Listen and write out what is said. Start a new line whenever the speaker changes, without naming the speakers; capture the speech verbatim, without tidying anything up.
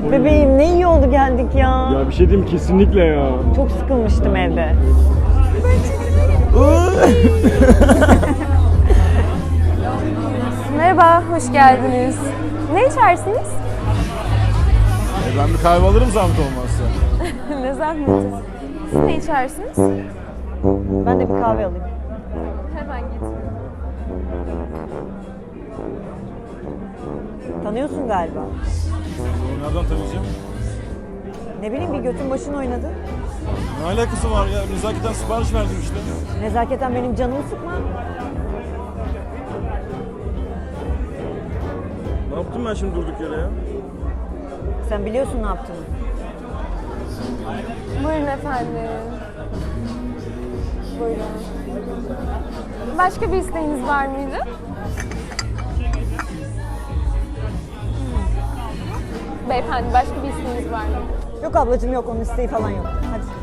Bebeğim ne iyi oldu geldik ya.
Ya bir şey diyeyim kesinlikle ya.
Çok sıkılmıştım evde.
Merhaba, hoş geldiniz. Ne içersiniz?
Ben bir kahve alırım zahmet olmazsa.
Ne zahmeti. Siz ne içersiniz?
Ben de bir kahve alayım.
Hemen getiriyorum.
Tanıyorsun galiba.
Nereden tanıyacağım?
Ne bileyim bir götün başın oynadı.
Ne alakası var ya? Nezaketen sipariş verdim işte.
Nezaketen benim canımı sıkma.
Ne yaptım ben şimdi durduk yere ya?
Sen biliyorsun ne yaptığını.
Buyurun efendim. Buyurun. Başka bir isteğiniz var mıydı? Beyefendi, başka bir isteğiniz var mı?
Yok ablacığım yok onun isteği falan yok. Hadi.